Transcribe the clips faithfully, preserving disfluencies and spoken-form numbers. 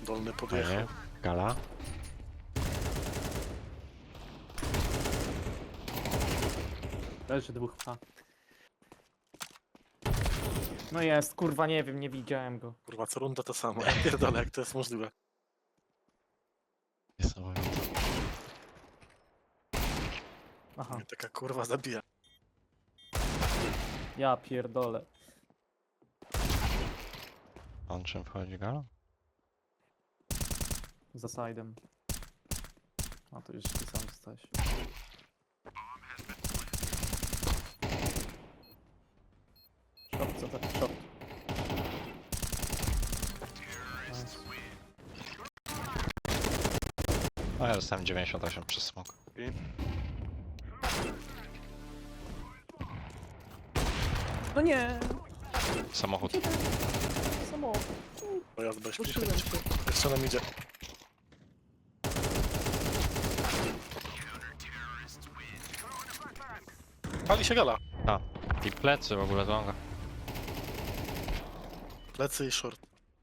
Dolny podjechał. Ej, Gala. Leży dwóch H. No jest, kurwa, nie wiem, nie widziałem go. Kurwa, co runda to samo. Ja pierdolę, jak to jest możliwe. Niesamowite. Aha, Mnie taka kurwa zabija. ja pierdolę. On czym wchodzi Gala? Za side'em. A to już ty sam zostałeś. Short, co tak? Short. Nice. No ja dostałem dziewięćdziesiąt osiem przez smok. No nie! Samochód. Samo. Pojazd bez Puszyłem się. Jeszcze nam idzie. Pali się gala. A. I plecy w ogóle longa. Plecy i short.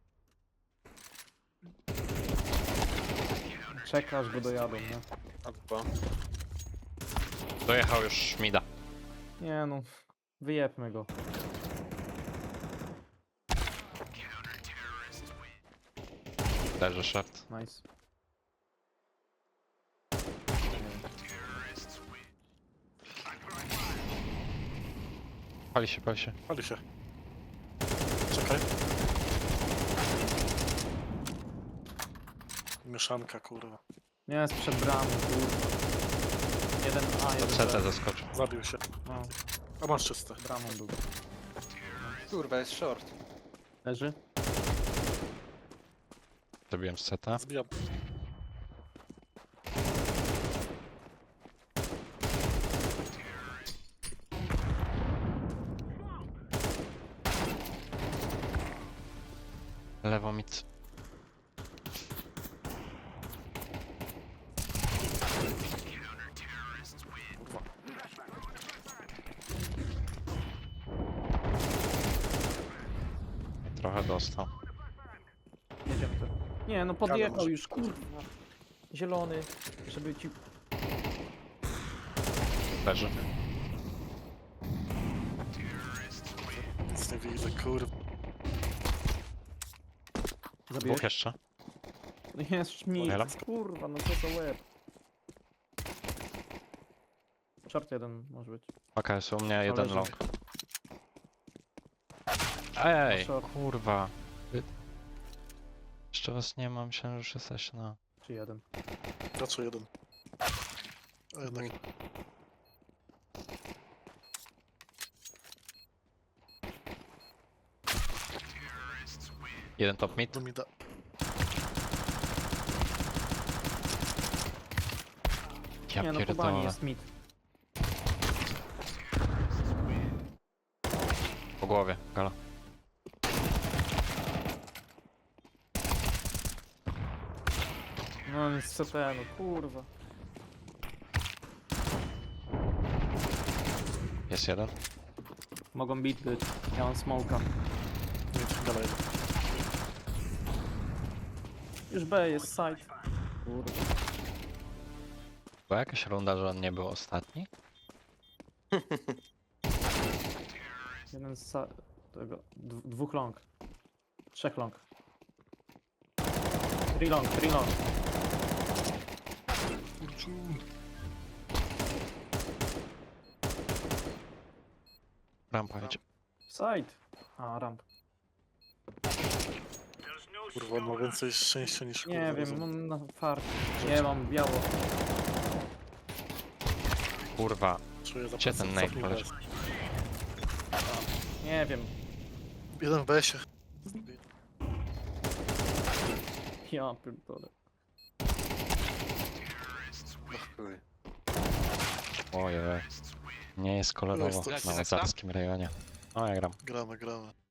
Czekasz, go dojadą, nie? A dwa. Dojechał już Mida. Nie no, wyjebmy go. Leży short. Nice. Pali się, pali się. Pali się. Czekaj. Mieszanka, kurwa. Nie, jest przed bramą, kurwa. Jeden A, Do jeden C T B. zaskoczył. Zabił się. No, A masz czyste. bramą był. Kurwa, jest short. Leży? Zrobiłem z C T. Zbijam. Lewo mid. Kurwa. Trochę dostał. Jedziemy to. Nie, no podjechał może. już, kurwa. Zielony, żeby ci... Leży. Nic nie widzę, kurwa. Zabiłeś? Dwóch jeszcze. No jest szmit, Hello? kurwa, no co za łeb. Short jeden może być. Paka jest u mnie, jeden leży. long. Ej, Short. kurwa. Wy- Jeszcze was nie mam, myślałem, że już jesteś na... Czy jeden. Raczej jeden. A jednak. Jeden top mid. Do mi da. Ja Nie no, po bani pierdolę. jest mid. Po głowie, Gala. No jest C T, no kurwa. Jest jeden. Mogą beat być. Ja mam smoka. Nic, gala jeden. Już B jest side. Kurwa. Była jakaś runda, że on nie był ostatni? Jeden z sa... tego... d- dwóch long. Trzech long. Three long, three long. Rampa idzie. Side. A, ramp. Kurwa, on ma więcej szczęścia niż kurwa. Nie wiem, rozum. mam na fart. Nie mam biało. Kurwa. Czuję za Gdzie plecem, ten nade cofnij poleciał? bez. Nie wiem. Jeden w besie. Ja pierdolę. Chuj. Ojej. Nie jest kolorowo Jest to- na łazarskim rejonie. O, ja gram. Gramy, gramy.